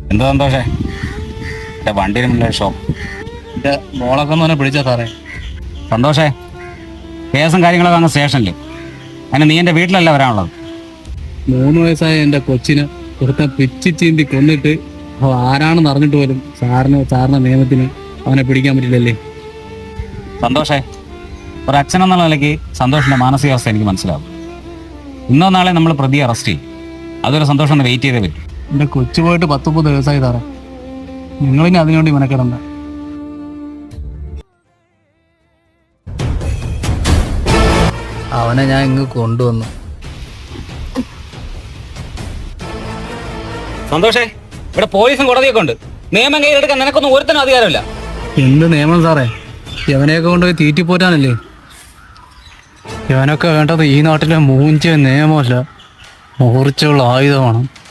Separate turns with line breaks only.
എന്താ സന്തോഷേ? എൻ്റെ വണ്ടിന് മുന്നിലെ ഷോപ്പ്
എൻ്റെ മോളൊക്കെ ഒന്ന് പിടിച്ചാ സാറേ.
സന്തോഷേ, കേസും കാര്യങ്ങളൊക്കെ അങ്ങ് സ്റ്റേഷനിൽ. അതിന് നീ എൻ്റെ വീട്ടിലല്ല വരാനുള്ളത്.
3 വയസ്സായ എൻ്റെ കൊച്ചിനെ ഒരുത്ത പിച്ചി ചീന്തി കൊന്നിട്ട് ആരാണെന്ന് അറിഞ്ഞിട്ട് പോലും സാറിന്റെ നിയമത്തിന് അവനെ പിടിക്കാൻ പറ്റില്ലല്ലേ?
സന്തോഷേ, ഒരു അച്ഛനെന്നുള്ള നിലയ്ക്ക് സന്തോഷിൻ്റെ മാനസികാവസ്ഥ എനിക്ക് മനസ്സിലാവും. ഇന്നോ നാളെ നമ്മൾ പ്രതിയെ അറസ്റ്റ് ചെയ്യും. അതൊരു സന്തോഷം ഒന്ന് വെയിറ്റ് ചെയ്തേ പറ്റും.
എൻ്റെ കൊച്ചു പോയിട്ട് 10-30 ദിവസമായി സാറേ. നിങ്ങളിനി അതിനുവേണ്ടി മെനക്കിടണ്ട. അവനെ ഞാൻ ഇങ്ങ് കൊണ്ടുവന്നു.
സന്തോഷേ, ഇവിടെ പോലീസും കോടതിയൊക്കെ ഉണ്ട്. നിയമം കയ്യിലെടുക്കാൻ നിനക്കൊന്നും ഒരുത്തനും അധികാരമില്ല.
എന്ത് നിയമം സാറേ? ഇവനെയൊക്കെ കൊണ്ടുപോയി തീറ്റിപ്പോറ്റാനല്ലേ? ഇവനൊക്കെ വേണ്ടത് ഈ നാട്ടിലെ മൂഞ്ചിയ നിയമമല്ല, മൂർച്ചയുള്ള ആയുധമാണ്.